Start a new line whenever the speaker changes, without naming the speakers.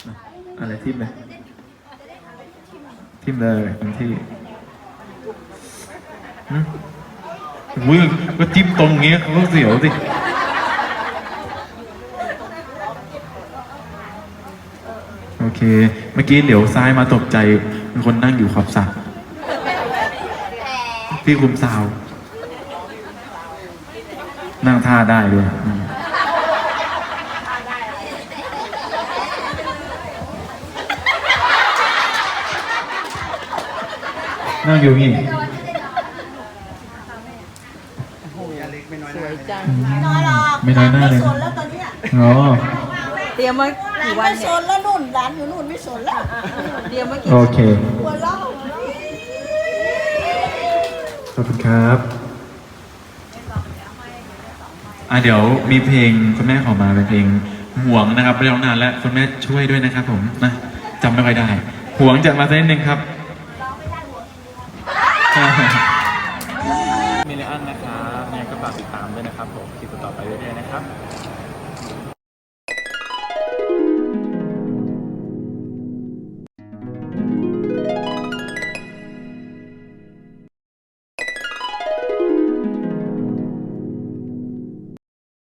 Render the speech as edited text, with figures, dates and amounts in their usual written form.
อะไรทิมเลยทิมเลยทันที่อุ้ยก็จิ้มตรงนี้เขาก็เสียวสิโอเคเมื่อกี้เหลียวซ้ายมาตกใจมีคนนั่งอยู่ขอบสระพี่คุมซาวนั่งท่าได้ด้วยนั่งอยู่นี่
สวยจัง
ไม่น้อยหรอก
ไม่น้อยหน้าเลย
ไม่สนแล้วตอนเนี้ย
อ๋อ
เตรียมมา
หลาน
กี่วั
ไม่
น
ส
เนี่ย
นแล้วนู่นหลานอยู่นู่นไม่สนแล้ว
เตรียมมากี่
โอเค
หัวเราะ
ขอบคุณครับเดี๋ยวมีเพลงคุณแม่ขอมาเป็นเพลงห่วงนะครับไม่ได้ร้องนานแล้วคุณแม่ช่วยด้วยนะครับผมนะจำไม่ค่อยได้ห่วงจากมาสักนิดนึงครับมิลเลอันนะครับยังไงก็ฝากติดตามด้วยนะครับผมคลิปต่อไปเรื่อยๆนะครับ